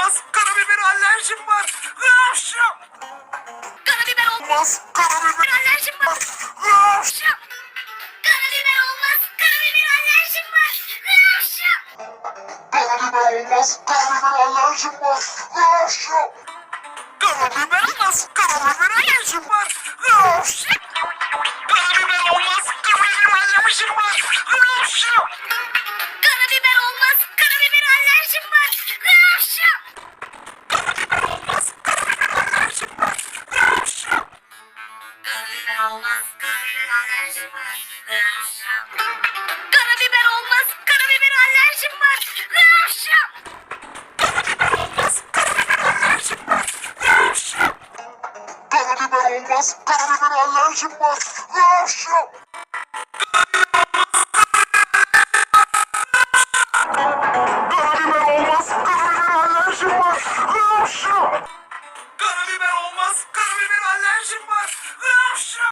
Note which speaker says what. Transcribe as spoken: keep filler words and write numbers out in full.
Speaker 1: olmaz. Karabiber alerjim var. Hapşu.
Speaker 2: Karabiber olmaz.
Speaker 1: Karabiber
Speaker 2: Alerjim var.
Speaker 1: Hapşu.
Speaker 2: Karabiber olmaz. Karabiber alerjim var. Hapşu.
Speaker 1: Karabiber olmaz. Karabiber alerjim var. Hapşu. Karabiber olmaz. Karabiber alerjim var. Hapşu. Karabiber olmaz. Karabiber alerjim var. Hapşu.
Speaker 2: Karabiber olmaz. Karabiber alerjim var. Hapşu.
Speaker 1: Karabiber olmaz. Karabiber alerjim var. Hapşu.
Speaker 2: Karabiber olmaz. Karabiber alerjim var. Hapşu. Karabiber olmaz. Karabiber alerjim var. Hapşu.
Speaker 1: Karabiber olmaz. Karabiber alerjim var. Hapşu. Karabiber olmaz. Karabiber alerjim var. Hapşu. Karabiber olmaz. Karabiber alerjim var. Hapşu.